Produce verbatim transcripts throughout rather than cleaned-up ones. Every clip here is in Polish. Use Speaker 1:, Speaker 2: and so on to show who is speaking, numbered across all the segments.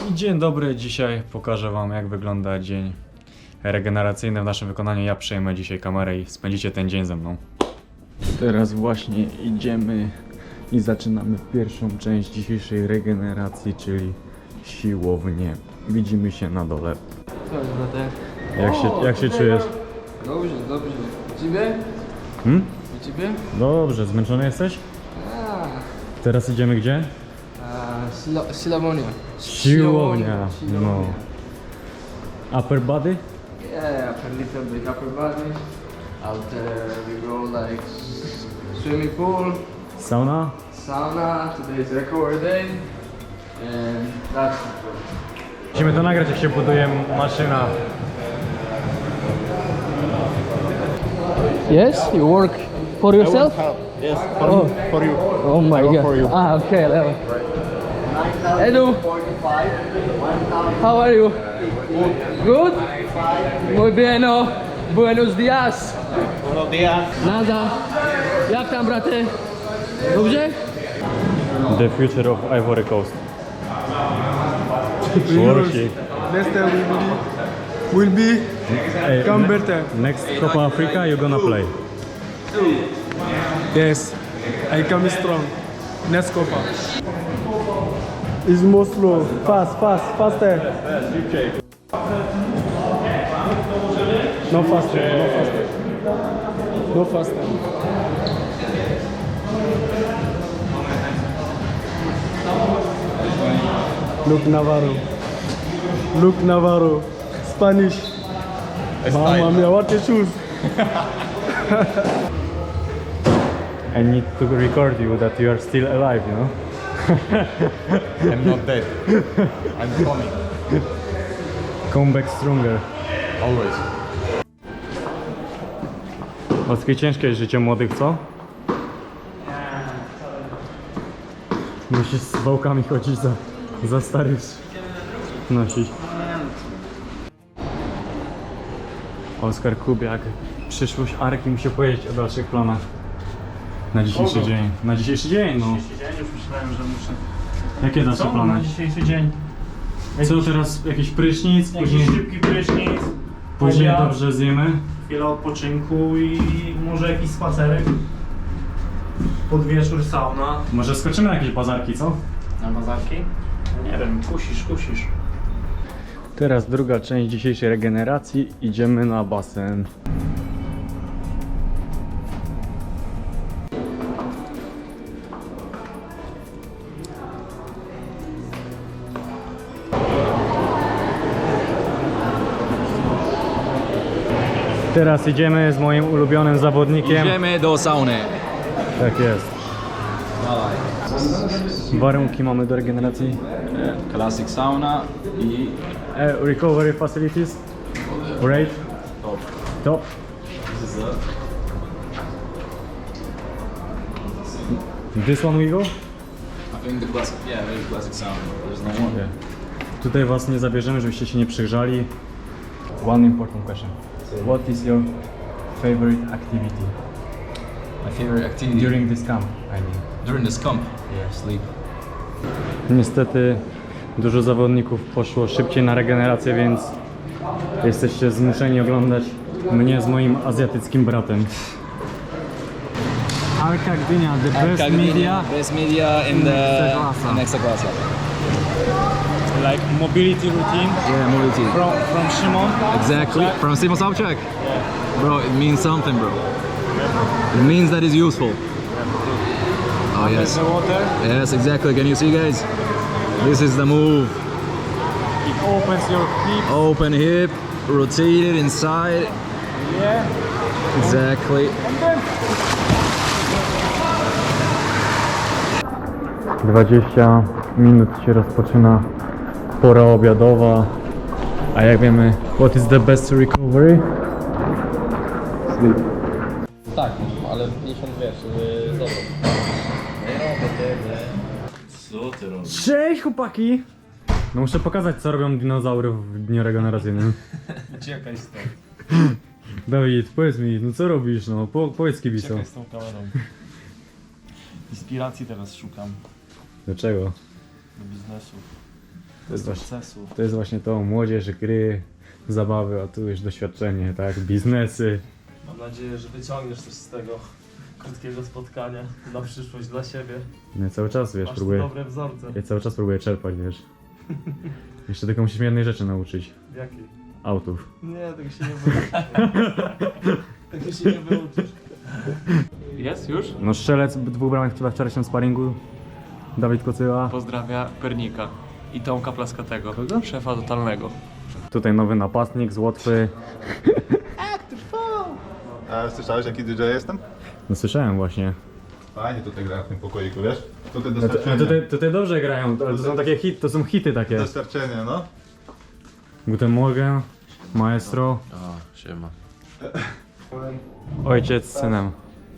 Speaker 1: Dzień dobry, dzisiaj pokażę wam, jak wygląda dzień regeneracyjny w naszym wykonaniu. Ja przejmę dzisiaj kamerę i spędzicie ten dzień ze mną. Teraz właśnie idziemy i zaczynamy pierwszą część dzisiejszej regeneracji, czyli siłownię. Widzimy się na dole.
Speaker 2: Cześć, bratek.
Speaker 1: Jak się, jak się czujesz?
Speaker 2: Dobrze, dobrze. U ciebie?
Speaker 1: Hmm?
Speaker 2: U ciebie?
Speaker 1: Dobrze, zmęczony jesteś?
Speaker 2: A,
Speaker 1: Teraz idziemy gdzie?
Speaker 2: a silo, siłowania.
Speaker 1: Siłownia, no. Upper body?
Speaker 2: Yeah, a little bit upper body. Out there we go like s- swimming pool,
Speaker 1: Sauna?
Speaker 2: sauna. Today is recovery day. And that's it.
Speaker 1: Musimy to nagrać, jak się buduje maszyna.
Speaker 2: Yes, you work for yourself?
Speaker 3: Yes, for,
Speaker 2: Oh.
Speaker 3: for you.
Speaker 2: Oh my
Speaker 3: Work
Speaker 2: god.
Speaker 3: for you.
Speaker 2: Ah, okay. Level. Hello. How are you? Good? Muy bien, oh. Buenos dias.
Speaker 3: Buenos días.
Speaker 2: Nada. Jak tam, braty? Dobrze?
Speaker 1: The future of Ivory Coast. Worship.
Speaker 4: Next time will be, will be
Speaker 1: Hey,
Speaker 4: come
Speaker 1: ne-
Speaker 4: better.
Speaker 1: Next Copa Africa you're gonna play.
Speaker 4: Yes, I come strong. Next Copa. It's more slow. Fast, fast, faster. No faster, no faster. No faster. Look Navarro. Look Navarro. Spanish. Mamma mia, what a shoes.
Speaker 1: I need to record you that you are still alive, you know?
Speaker 3: I'm not dead. I'm coming.
Speaker 1: Come back stronger.
Speaker 3: Always.
Speaker 1: Oski, ciężkie jest życie młodych, co? Musisz z wałkami chodzić za, za starych nosić. Oskar Kubiak, przyszłość Arki musi powiedzieć o dalszych planach na dzisiejszy dzień. Na dzisiejszy dzień, no.
Speaker 5: Dzisiejszy dzień, już myślałem, że muszę...
Speaker 1: Jakie dalsze
Speaker 5: Co
Speaker 1: plany?
Speaker 5: na dzisiejszy dzień?
Speaker 1: Co teraz? Jakiś prysznic?
Speaker 5: Jakiś
Speaker 1: Później,
Speaker 5: szybki prysznic,
Speaker 1: później
Speaker 5: obiad,
Speaker 1: dobrze zjemy.
Speaker 5: chwilę odpoczynku i może jakiś spacerek. Pod wieczór sauna.
Speaker 1: Może skoczymy na jakieś bazarki, co?
Speaker 5: Na bazarki? Nie wiem, kusisz, kusisz.
Speaker 1: Teraz druga część dzisiejszej regeneracji. Idziemy na basen. Teraz idziemy z moim ulubionym zawodnikiem.
Speaker 2: Idziemy do sauny.
Speaker 1: Tak jest. Warunki mamy do regeneracji.
Speaker 2: Classic sauna i
Speaker 1: E, recovery facilities. Great.
Speaker 2: top.
Speaker 1: Top. This one we go?
Speaker 2: I think the classic, yeah, very classic sauna. There's no one.
Speaker 1: Okay. Tutaj was nie zabierzemy, żebyście się nie przygrzali. One important question. What is your favorite activity
Speaker 6: My favorite activity
Speaker 1: during this camp? I mean.
Speaker 6: during this camp? Yeah, sleep.
Speaker 1: Niestety dużo zawodników poszło szybciej na regenerację, więc jesteście zmuszeni oglądać mnie z moim azjatyckim bratem. Arka Gdynia, the best media,
Speaker 6: Best media in the
Speaker 1: Ekstraklasa.
Speaker 6: in Ekstraklasa.
Speaker 5: Like mobility routine
Speaker 6: Yeah, mobility.
Speaker 5: from, from Szymon.
Speaker 6: Exactly. From Simon Sobczak. Bro, it means something, bro. It means that it's useful. Oh yes.
Speaker 5: The water,
Speaker 6: Yes, exactly. Can you see, guys? This is the move.
Speaker 5: it opens your hip.
Speaker 6: Open hip, rotate it inside.
Speaker 5: Yeah.
Speaker 6: Exactly.
Speaker 1: dwadzieścia minut się rozpoczyna pora obiadowa. A jak wiemy, what is the best recovery? Sleep.
Speaker 6: Tak, ale miesiąc wiesz, zobacz. Co ty robisz?
Speaker 1: Cześć chłopaki! No muszę pokazać, co robią dinozaury w dniu regeneracyjnym.
Speaker 5: Uciekaj stąd.
Speaker 1: Dawid, powiedz mi, no co robisz, no po, powiedz kibicom.
Speaker 5: Uciekaj z tą kamerą. Inspiracji teraz szukam
Speaker 1: Dlaczego?
Speaker 5: do biznesu.
Speaker 1: To jest, właśnie, to jest właśnie to, młodzież, gry, zabawy, a tu już doświadczenie, tak, biznesy.
Speaker 7: Mam nadzieję, że wyciągniesz coś z tego krótkiego spotkania na przyszłość dla siebie.
Speaker 1: No, cały czas, wiesz,
Speaker 7: Masz tu
Speaker 1: próbuję,
Speaker 7: dobre wzorce.
Speaker 1: ja cały czas próbuję czerpać, wiesz. Jeszcze tylko musisz mnie jednej rzeczy nauczyć,
Speaker 7: Jakiej?
Speaker 1: autów.
Speaker 7: Nie, tego się nie wyuczysz. Tego się nie wyuczysz. Jest już?
Speaker 1: No strzelec dwóch bramek chyba wczorajszym sparingu, Dawid Kocyła.
Speaker 7: Pozdrawia Pernika i Tomka Plaskatego,
Speaker 1: Kogo?
Speaker 7: szefa totalnego.
Speaker 1: Tutaj nowy napastnik z Łotwy.
Speaker 3: A słyszałeś jaki D J jestem?
Speaker 1: No słyszałem właśnie.
Speaker 3: Fajnie tutaj gra w tym pokoiku, wiesz? Tutaj
Speaker 1: No to,
Speaker 3: doświadczenie.
Speaker 1: no tutaj, tutaj dobrze grają, ale to są takie hit, to są hity takie.
Speaker 3: Doświadczenie, no.
Speaker 1: Guten Morgen, maestro.
Speaker 7: O, siema.
Speaker 1: Ojciec z synem.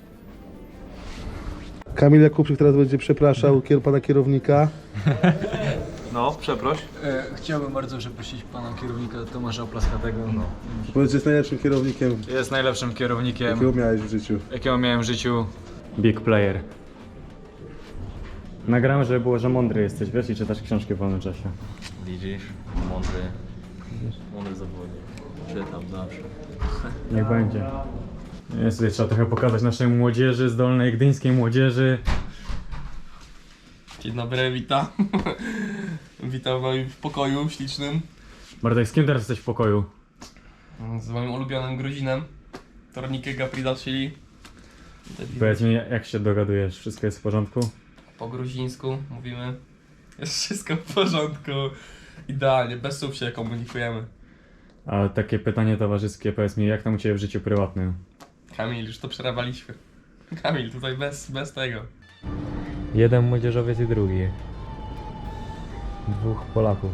Speaker 4: Kamil Jakubczyk teraz będzie przepraszał kier- pana kierownika.
Speaker 7: No, przeproś.
Speaker 1: E, chciałbym bardzo przeprosić pana kierownika Tomasza Plaskatego. No.
Speaker 4: Powiedz, że jest najlepszym kierownikiem,
Speaker 1: Jest najlepszym kierownikiem,
Speaker 4: jakiego miałeś w życiu.
Speaker 1: jakiego miałem w życiu. Big player. Nagrałem, żeby było, że mądry jesteś, wiesz, i czytasz książki w wolnym czasie.
Speaker 7: Widzisz? Mądry. Mądry zawodnik. Czytam zawsze.
Speaker 1: Niech będzie. Jest, tutaj trzeba trochę pokazać naszej młodzieży, zdolnej gdyńskiej młodzieży.
Speaker 7: Dzień dobry, witam. Witam w moim pokoju ślicznym.
Speaker 1: Bartek, z kim teraz jesteś w pokoju?
Speaker 7: Z moim ulubionym Gruzinem. Tornikę Gaprida Chili.
Speaker 1: Powiedz mi, jak się dogadujesz? Wszystko jest w porządku?
Speaker 7: Po gruzińsku mówimy. Jest wszystko w porządku. Idealnie, bez słów się komunikujemy.
Speaker 1: A takie pytanie towarzyskie, powiedz mi, jak tam u Ciebie w życiu prywatnym?
Speaker 7: Kamil, już to przerawaliśmy. Kamil, tutaj bez, bez tego.
Speaker 1: Jeden młodzieżowiec i drugi. Dwóch Polaków.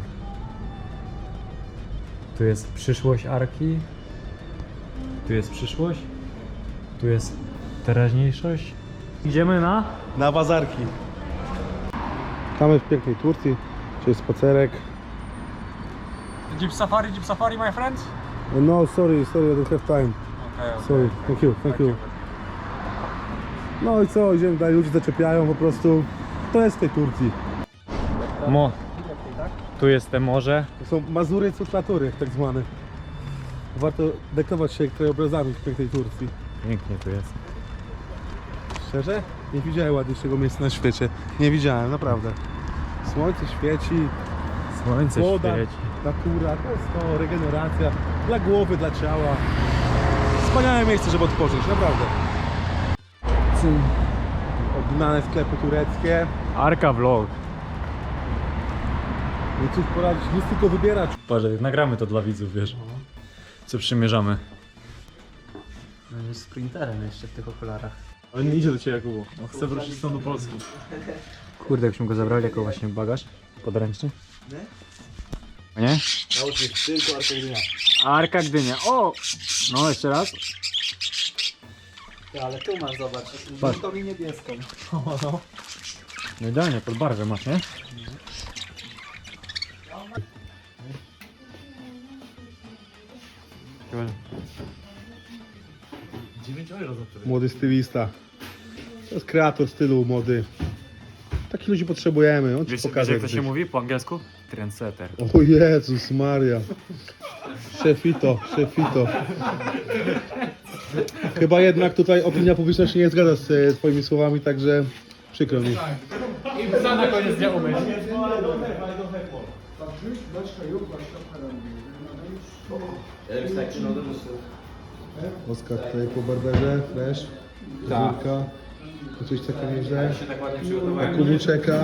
Speaker 1: Tu jest przyszłość Arki. Tu jest przyszłość. Tu jest teraźniejszość. Idziemy na...
Speaker 4: Na bazarki. Mamy w pięknej Turcji, czyli spacerek.
Speaker 1: Jeep Safari, Jeep Safari, my friend?
Speaker 4: No, sorry, sorry, I don't have time.
Speaker 1: Okay,
Speaker 4: Sorry, thank you, thank you. No i co, idziemy dalej, ludzie zaczepiają po prostu. To jest w tej Turcji.
Speaker 1: Mo. Tu jest te morze.
Speaker 4: To są Mazury Cutlatury, tak zwane. Warto dekować się krajobrazami w pięknej Turcji.
Speaker 1: Pięknie tu jest.
Speaker 4: Szczerze? Nie widziałem ładniejszego miejsca na świecie. Nie widziałem, naprawdę. Słońce świeci,
Speaker 1: Słońce
Speaker 4: woda,
Speaker 1: świeci.
Speaker 4: natura, to jest to, regeneracja. Dla głowy, dla ciała. Wspaniałe miejsce, żeby odpocząć, naprawdę. Ognane sklepy tureckie.
Speaker 1: Arka vlog.
Speaker 4: No cóż poradzić, nic tylko wybierać.
Speaker 1: Patrz, nagramy to dla widzów, wiesz. Co przymierzamy.
Speaker 2: Będziesz sprinterem jeszcze w tych okularach.
Speaker 4: Ale nie idzie do Ciebie, Jakubu. On chce wrócić stąd do Polski.
Speaker 1: Kurde, jakbyśmy go zabrali jako właśnie bagaż podręczny. Nie? Nie?
Speaker 4: Naucz mnie tylko Arka Gdynia.
Speaker 1: Arka Gdynia. O! No, jeszcze raz.
Speaker 2: Ale tu masz, zobacz,
Speaker 1: Patrz.
Speaker 2: żółtą i niebieską.
Speaker 1: No idealnie, pod barwę masz, nie?
Speaker 4: Młody stylista. To jest kreator stylu mody. Takich ludzi potrzebujemy, on ci
Speaker 1: Wiesz,
Speaker 4: pokaże
Speaker 1: wiesz jak to
Speaker 4: jak
Speaker 1: się
Speaker 4: być.
Speaker 1: mówi po angielsku? Trendsetter.
Speaker 4: O Jezus Maria. Szefito, szefito. Chyba jednak tutaj opinia publiczna się nie zgadza z e, twoimi słowami, także przykro mi. Oskar tutaj po barberze, fresh, fryzurka, coś takiego nieźle. Kubu czeka.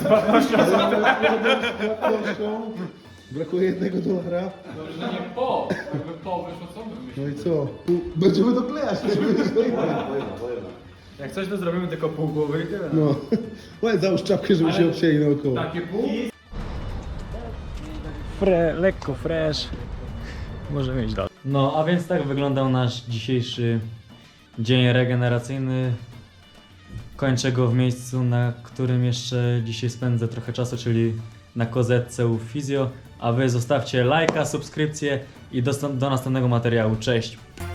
Speaker 4: Brakuje jednego dolara. No i co? Pół- Będziemy doklejać,
Speaker 1: Jak coś to zrobimy tylko pół głowy i tyle.
Speaker 4: no. Ładnie załóż czapkę, żeby się obcięli naokoło.
Speaker 1: Fre, lekko fresh. Możemy iść dalej. No, a więc tak wyglądał nasz dzisiejszy dzień regeneracyjny. Kończę go w miejscu, na którym jeszcze dzisiaj spędzę trochę czasu, czyli na kozetce u Fizjo. A wy zostawcie lajka, subskrypcję i do, do następnego materiału. Cześć!